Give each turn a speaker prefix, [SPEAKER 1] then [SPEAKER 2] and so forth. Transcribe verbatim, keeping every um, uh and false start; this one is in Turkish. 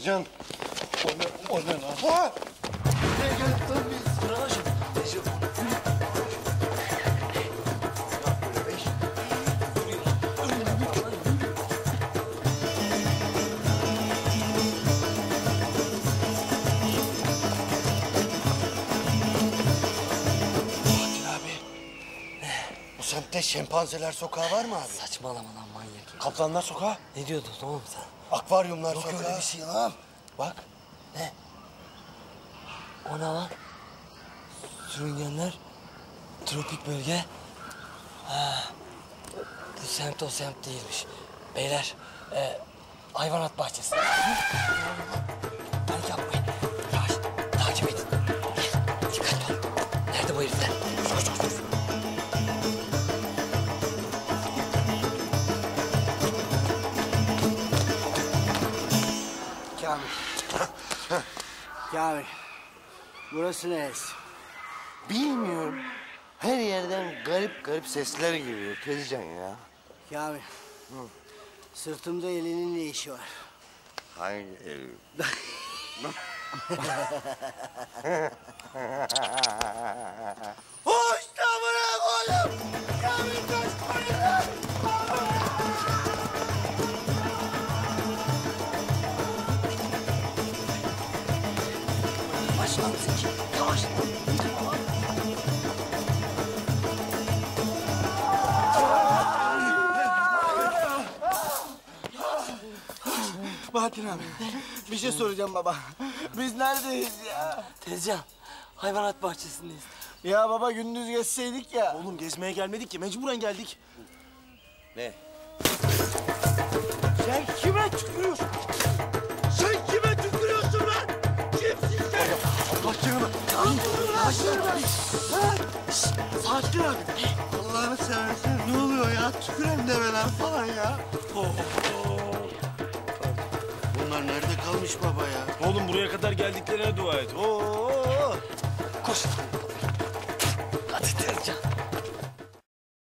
[SPEAKER 1] Can. O ne, o ne lan?
[SPEAKER 2] Ha! Nereye geldik lan biz? Sıra aşın. Necip.
[SPEAKER 1] Bu semtte şempanzeler sokağı var mı abi?
[SPEAKER 3] Saçmalama lan manyak.
[SPEAKER 1] Kaplanlar sokağı?
[SPEAKER 3] Ne diyordun oğlum sen?
[SPEAKER 1] Akvaryumlar
[SPEAKER 2] Yok
[SPEAKER 1] sokağı.
[SPEAKER 2] öyle bir şey lan.
[SPEAKER 1] Bak.
[SPEAKER 3] Ne? O ne lan? Sürüngenler, tropik bölge. Ha, bu semt o semt değilmiş. Beyler, e, hayvanat bahçesi. Panik yapmayın. Yavaş, takip edin. Gel, dikkatli ol. Nerede bu herifler? Koş, koş, koş.
[SPEAKER 4] Kamil. Kamil. Burası neresi?
[SPEAKER 2] Bilmiyorum. Her yerden garip garip sesler geliyor Tezcan ya.
[SPEAKER 4] Kamil. Sırtımda elinin ne işi var?
[SPEAKER 2] Hangi ev? Hoş da bırak oğlum. Kamil kaçmayın lan.
[SPEAKER 3] Yavaş lan Zeki, yavaş.
[SPEAKER 4] Bahattin abi. Bir şey soracağım baba. Biz neredeyiz ya?
[SPEAKER 3] Tezcan, hayvanat bahçesindeyiz.
[SPEAKER 4] Ya baba gündüz geçseydik ya.
[SPEAKER 5] Oğlum gezmeye gelmedik ki, mecburen geldik.
[SPEAKER 2] Ne?
[SPEAKER 4] Sen kime tükürüyorsun? Sen kime tükürüyorsun lan? Kimsin sen?
[SPEAKER 2] Allah canını.
[SPEAKER 4] Sakin abi.
[SPEAKER 2] Allah'ını seversen ne oluyor ya? Tüküren demeler falan ya. Bunlar nerede kalmış baba ya?
[SPEAKER 5] Oğlum buraya kadar geldiklerine dua et. Oo.
[SPEAKER 3] Koş.